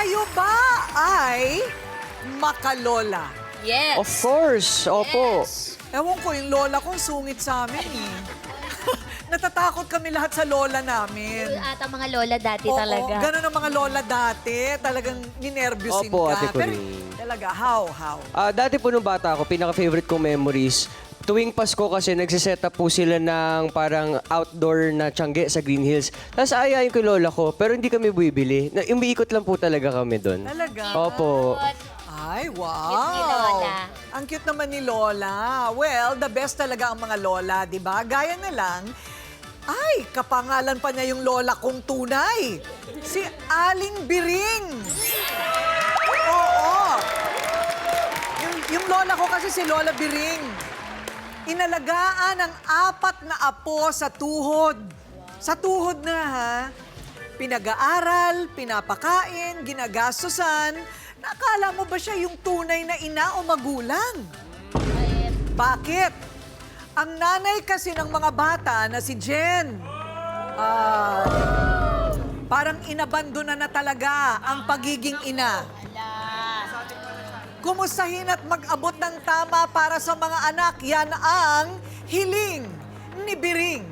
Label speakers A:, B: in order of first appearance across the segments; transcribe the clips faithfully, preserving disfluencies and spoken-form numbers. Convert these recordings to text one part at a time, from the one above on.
A: Kayo ba ay makalola?
B: Yes.
C: Of course, opo.
B: Yes.
A: Ewan ko, yung lola kong sungit sa amin eh. Natatakot kami lahat sa lola namin.
D: At ang mga lola dati
A: Oo,
D: talaga.
A: ganun ang mga lola dati. Talagang ninervyusin
C: Opo,
A: ka.
C: Ate
A: Pero
C: Corinne.
A: talaga, how, how?
C: Ah, dati po nung bata ako, pinaka-favorite kong memories, tuwing Pasko kasi nagsiset up po sila ng parang outdoor na tiyangge sa Green Hills. Tapos ayayin ko yung lola ko, pero hindi kami bumibili. Na- Umiikot lang po talaga kami doon.
A: Talaga?
C: Opo.
A: Ay, wow!
D: Cute ni Lola.
A: Ang cute naman ni Lola. Well, the best talaga ang mga lola, di ba? Gaya na lang, ay, kapangalan pa niya yung lola kong tunay. Si Aling Biring. Oo. Yung, yung lola ko kasi si Lola Biring. Inalagaan ang apat na apo sa tuhod. Sa tuhod na, ha? Pinag-aaral, pinapakain, ginagastusan. Nakala mo ba siya yung tunay na ina o magulang? Bakit? Ang nanay kasi ng mga bata na si Jen, ah, parang inabandona na talaga ang pagiging ina. Kumustahin at mag-abot ng tama para sa mga anak, yan ang hiling ni Biring.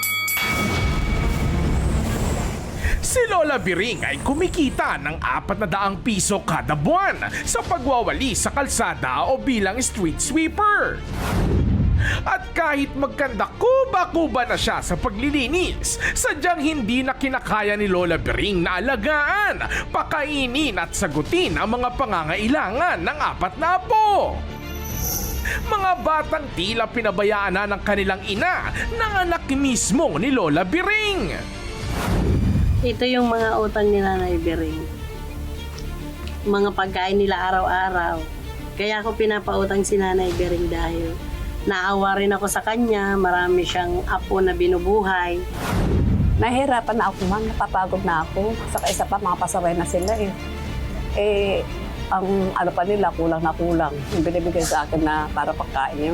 E: Si Lola Biring ay kumikita ng apat na daang piso kada buwan sa pagwawali sa kalsada o bilang street sweeper. At kahit magkanda kuba-kuba na siya sa paglilinis, sadyang hindi na kinakaya ni Lola Biring na alagaan, pakainin at sagutin ang mga pangangailangan ng apat na apo. Mga batang tila pinabayaan na ng kanilang ina ng anak mismo ni Lola Biring.
F: Ito yung mga utang ni Nanay Biring. Mga pagkain nila araw-araw. Kaya ako pinapautang si Nanay Biring dahil naawa rin ako sa kanya. Marami siyang apo na binubuhay.
G: Nahihirapan na ako, ma'am. Napapagod na ako. Saka isa pa, mga pasaway na sila eh. Eh, ang ano pa nila, kulang na kulang. Yung binibigay sa akin na para pagkain yun.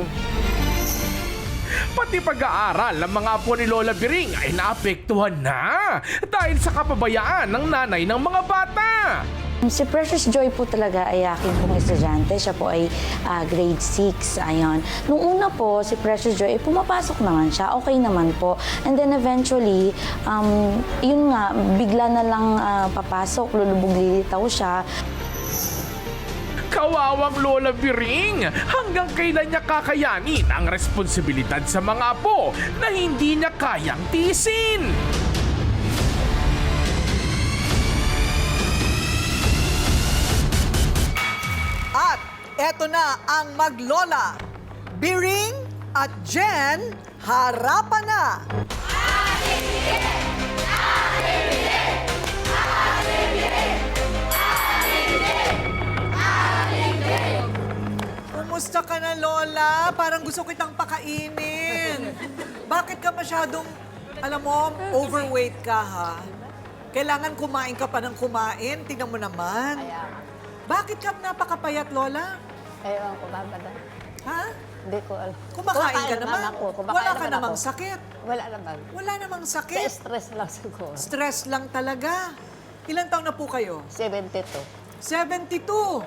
E: Pati pag-aaral ng mga apo ni Lola Biring ay naapektuhan na dahil sa kapabayaan ng nanay ng mga bata.
H: Si Precious Joy po talaga ay aking pong estudyante. Siya po ay ah, grade six. Ayon. Nung una po, si Precious Joy, eh, pumapasok naman siya. Okay naman po. And then eventually, um, yun nga, bigla na lang ah, papasok, lulubog lilitaw siya.
E: Kawawang Lola Biring, hanggang kailan niya kakayanin ang responsibilidad sa mga apo na hindi niya kayang tiisin?
A: At eto na ang maglola. Biring at Jen, harapan na! Kumusta ka na, Lola? Parang gusto kitang pakainin. Bakit ka masyadong, alam mo, overweight ka, ha? Kailangan kumain ka pa ng kumain. Tingnan mo naman. Bakit ka napakapayat, Lola?
G: Ewan ko, babada.
A: Ha?
G: Hindi ko alam.
A: Kumakain ka naman.
G: Ako. Kumakain
A: Wala ka
G: naman
A: namang
G: ako.
A: sakit.
G: Wala naman.
A: Wala namang
G: Sa
A: sakit.
G: stress lang siguro.
A: Stress lang talaga. Ilan taon na po kayo?
G: seventy-two.
A: seventy-two.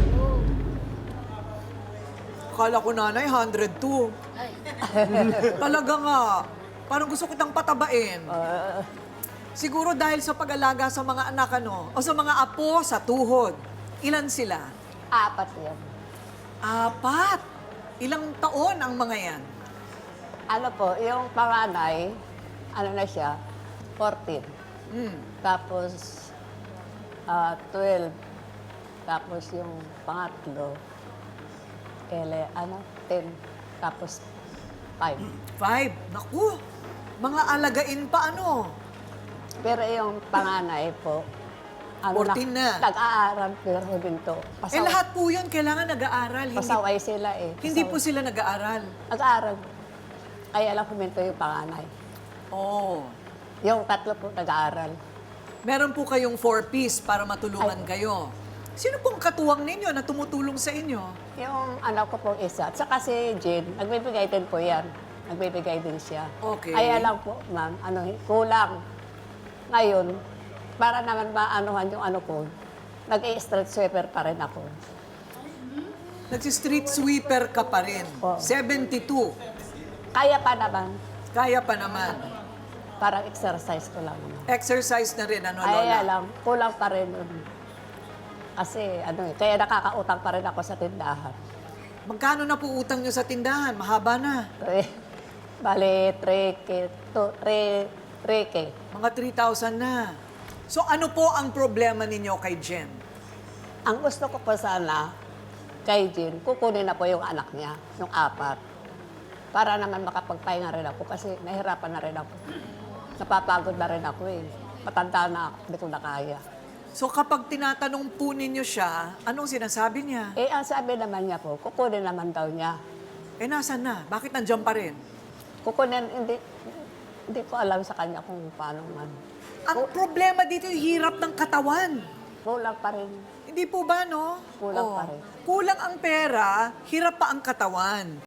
A: Akala ko, nanay, one hundred two. Talaga nga. Parang gusto kitang patabain.
G: Uh,
A: Siguro dahil sa pag-alaga sa mga anak, ano? O sa mga apo sa tuhod. Ilan sila?
G: apat yan.
A: Apat. Ilang taon ang mga yan?
G: Ano po, yung panganay, ano na siya, fourteen.
A: Hmm.
G: Tapos, ah, twelve. Tapos yung pangatlo, ele, ano, ten. Tapos, five.
A: Five. Naku. Mga alagain pa, ano?
G: Pero yung panganay po, ano
A: fourteen na.
G: Nag-aaral pero binto.
A: Eh, lahat po yun, kailangan nag-aaral. Hindi,
G: Pasaway sila eh.
A: hindi po
G: Pasaway.
A: sila nag-aaral.
G: Nag-aaral. Kaya lang huminto yung panganay.
A: Oh.
G: Yung tatlo po nag-aaral.
A: Meron po kayong four-piece para matulungan
G: Ay.
A: kayo. Sino pong katuwang ninyo na tumutulong sa inyo?
G: Yung anak ko pong isa. At saka si Jean, nagbibigay din po yan. Nagbibigay din siya.
A: Okay.
G: Kaya lang po, ma'am, ano, kulang. Ngayon, para naman maanuhan yung ano ko, nag-i-street sweeper pa rin ako.
A: Nagsi-street sweeper ka pa rin.
G: Oo.
A: seventy-two.
G: Kaya pa naman,
A: Kaya pa naman.
G: parang exercise ko lang naman.
A: Exercise na rin, ano,
G: Ay,
A: Lola?
G: alam, kulang pa rin. nun. Kasi, ano eh, kaya nakakautang pa rin ako sa tindahan.
A: Magkano na po utang nyo sa tindahan? Mahaba na.
G: Tre, bale, three K, to, three, three K.
A: Mga three thousand na. So ano po ang problema ninyo kay Jen?
G: Ang gusto ko po sana, kay Jean, kukunin na po yung anak niya, yung apat. Para naman makapagpahinga rin ako kasi nahirapan na rin ako. Napapagod na rin ako eh. Matanda na ako, hindi ko na kaya.
A: So kapag tinatanong po ninyo siya, anong sinasabi niya?
G: Eh, ang sabi naman niya po, kukunin naman daw niya.
A: Eh nasan na? Bakit nandiyan pa rin?
G: Kukunin, hindi, hindi ko alam sa kanya kung paano man.
A: Ang problema dito yung hirap ng katawan.
G: Kulang pa rin.
A: Hindi po ba, no?
G: Kulang
A: Oo.
G: pa rin.
A: Kulang ang pera, hirap pa ang katawan.